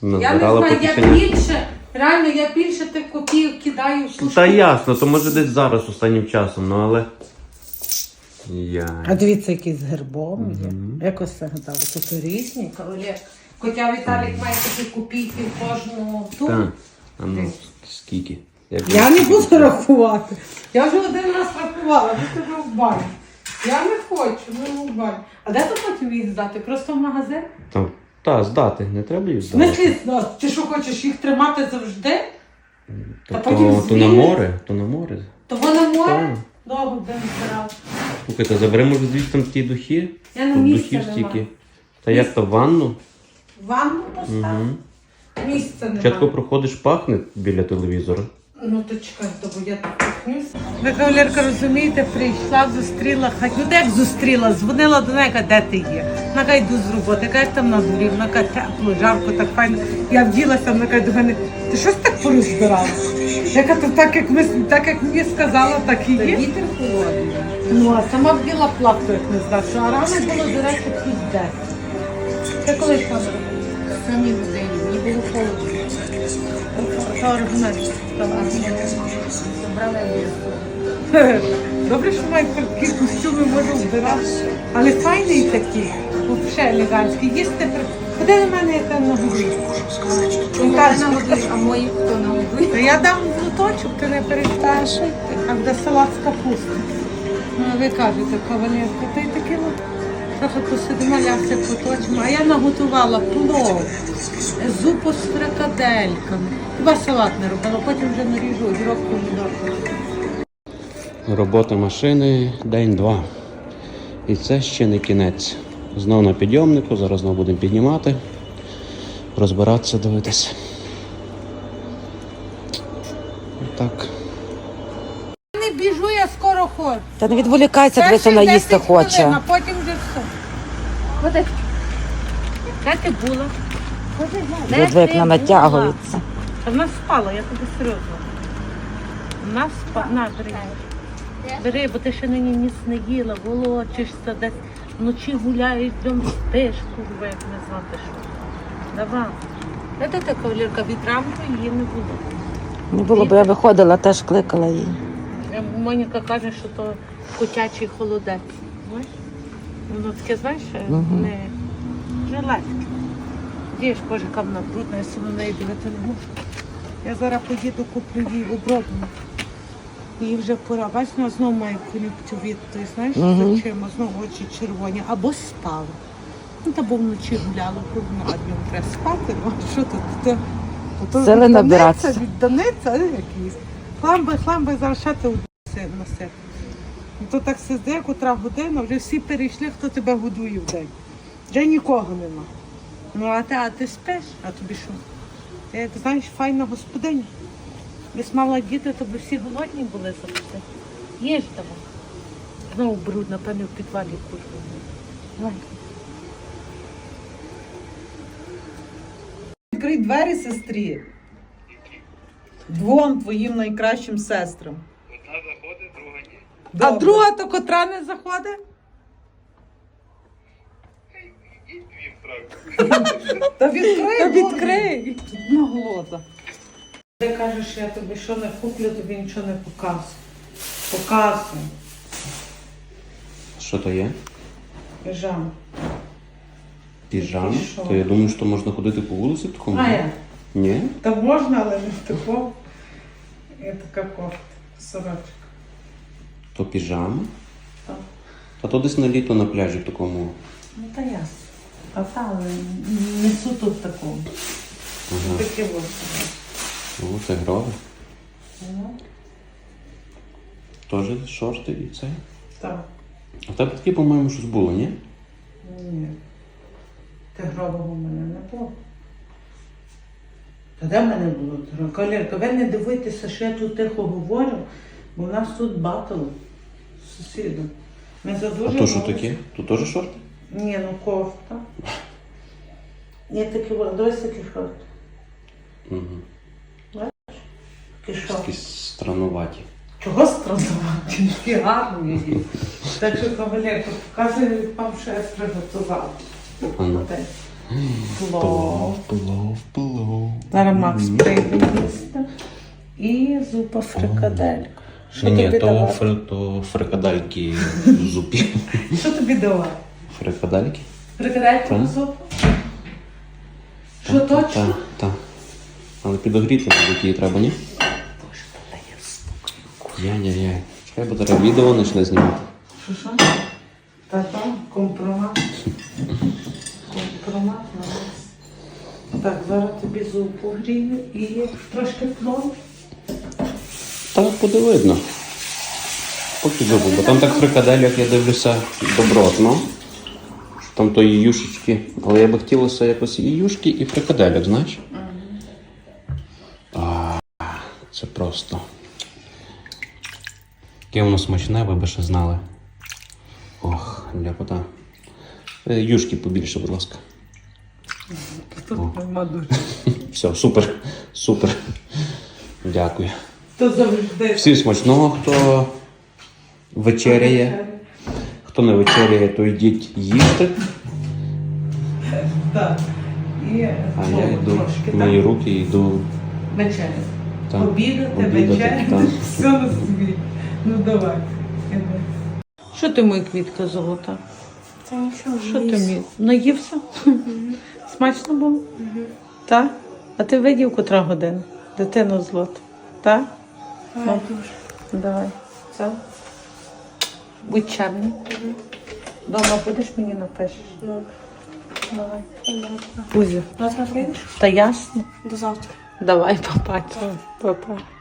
Я не Назбирала знаю, по я кишенях. більше, реально, я більше тих копійок кидаю в сушку. Та ясно, то може десь зараз останнім часом, ну але. А Я. дивіться, який з гербом є. Якось це гадали. Тут різні. Олег. Хоча Віталік має такі копійки в кожну ту. Так. А ну, скільки? Я не буду рахувати. Я вже один раз рахувала, ви тебе в баню. Я не хочу, ну в баню. А де ти потім їх здати? Просто в магазин? Та, здати, не треба їх В здати. смислі, ти що хочеш їх тримати завжди? То, Та потім то на звільнити? море, то на море. То воно море? Так. Добре, будемо збирати. Слухайте, забери, може, звідси там ті духи? Я на Тут місце духів нема. стільки. Та як то в ванну? Ванну постав? Угу. Місця Спочатку немає. проходиш, пахне біля телевізора. Ну то чекай, бо я так пихнусь. Ви, кавалерка, розумієте, прийшла, зустріла хать. Ну, як зустріла? Дзвонила до неї, каже, де ти є? Вона каже, йду з роботи. Каже, там на дворі. Вона каже, тепло, жарко, так файно. Я вділася, вона каже до мене, ти щось так порозбирала? Я кажу, так як мені сказала, так і є. Вітер холодний. Ну, а сама вділа плату, як не знаю. А рано було, до речі, плюс 10. Це коли йшла на роботу? Самі годині, мені було холодно. Та аргумент. Забрала я. Добре, що мають такі костюми, можу вбирати. Але файний такий, взагалі елегантський. Їсти ходи до мене, я там нагодую. А мої хто нагодує? Та я дам лоточок, ти не перестаєш. А де салат з капусти. Ну, а ви кажете, кавалерка, та й таке трохи посидимо, ляси поточимо. А я наготувала плов, зупу з фрикадельками. Хіба салат не робила, потім вже наріжу огірок, помідор. Робота машини день-два. І це ще не кінець. Знов на підйомнику, зараз знову будемо піднімати, розбиратися, дивитися. Так. Не біжу, я скоро ходжу. Та не відволікайся, дивися, вона їсти хоче. А потім вже все. Ходи. Де ти була? Диви, як вона натягується. Та вона спала, я тобі серйозно. Вона спала. На, бери. Бери, бо ти ще нині ніс не їла, волочишся десь, вночі гуляєш, дом спиш, курва, як не знати що. Давай. Де ти, кавалерка, від ранку її не було. Не було, бо я виходила, теж кликала її. Моніка каже, що то котячий холодець. Знаєш? Воно таке, знаєш, не жилетки. Дієш, боже, яка вона брудна, я себе на неї дивити не можу. Я зараз поїду, куплю їй обробну. Їй вже пора. Бачиш, вона знову має кон'юнктивіт, ти знаєш, з очима, знову очі червоні. Або спала. Ну, та бо вночі гуляла, а днем треба спати. Ну, а що тут? Сили набиратися. Відданеться, якийсь. Хламби, зараз ще ти носити. Ну, то так сидить, котра година, вже всі перейшли, хто тебе годує в день. Вже нікого нема. Ну, а ти спиш, а тобі що? Ти, як знаєш, файна господиня. Якби мала діти, то б всі голодні були завжди. Їж давай. Знову бруд, напевно, в підвалі курва. Відкрий двері сестрі. Двом твоїм найкращим сестрам. Одна заходить, друга ні. А Добре. друга то котра не заходить? Ідіть двім трохи. Та відкрий. Та Боже. відкрий. На голода. Ти кажеш, я тобі що не куплю, тобі нічого не показую. Показую. Що то є? Піжам. Піжам? І що? То я думаю, що можна ходити по вулиці в такому? А я? Ні? Та можна, але не в такому. Є така кофта, сорочка. То піжама? Так. А то десь на літо на пляжі в такому. Ну та ясно. А та, але не суто в такому. Ага. Таке ось. О, це грове. Ну, Теж шорти і це. так. А в тебе таке, по-моєму, щось було, ні? Ні. Тигрового в мене не було. Та де в мене було тигрового? Кавалерка, ви не дивуйтеся, що я тут тихо говорю, бо в нас тут батл з сусідом. Ми за дуже А то що мало- таке? То теж шорти? Ні, ну кофта. Є такі, дивись такі шорти. Угу. Такі шорти. Такі странуваті. Чого страдувати? Такі гарні є. Так що, кавалерка, показую вам, що я приготувала. А ну. Плов. Плов. Зараз Макс прийде їсти. І зупа фрикаделька. Що Ні, тобі то, давати? то фрикадельки в зупі. Що тобі давати? Фрикадельки? Фрикадельку Так. на зупу? Що точно? Так. Але підогріти мабуть, її треба, ні? Яй-яй-яй. Чекай, бо зараз відео почне знімати. Що? Та-та, компромат. Компромат на нас. Так, зараз тобі зупу грію і трошки плов. Так буде видно. Поки зубу, бо там так фрикадельок, я дивлюся, добротно. Що там тої юшечки. Але я би хотілося якось і юшки, і фрикадельок, знаєш? Це просто. Яке воно смачне, ви б ще знали. Ох, ляпота. Юшки побільше, будь ласка. Тут нема дуже. Все, супер, супер. Дякую. То завжди. Всім смачного, хто вечеряє. Хто не вечеряє, то йдіть їсти. Так. І А плов я йду, трошки, мої так? руки йду. Вечеря. Так, Обідати, обідати, вечеряти, так. все на собі. Ну давай. Що ти, моя квітка золота? Це нічого. Що ти мій? Наївся? Смачно було? Так? А ти видів, котра година? Дитина злота. Так? Ну, давай. Це? Будь чемний. Дома будеш мені напишеш? Ну, Давай. понятно. Кузя. Завтра прийдеш? Та ясно. До завтра. Давай, папа. Папа.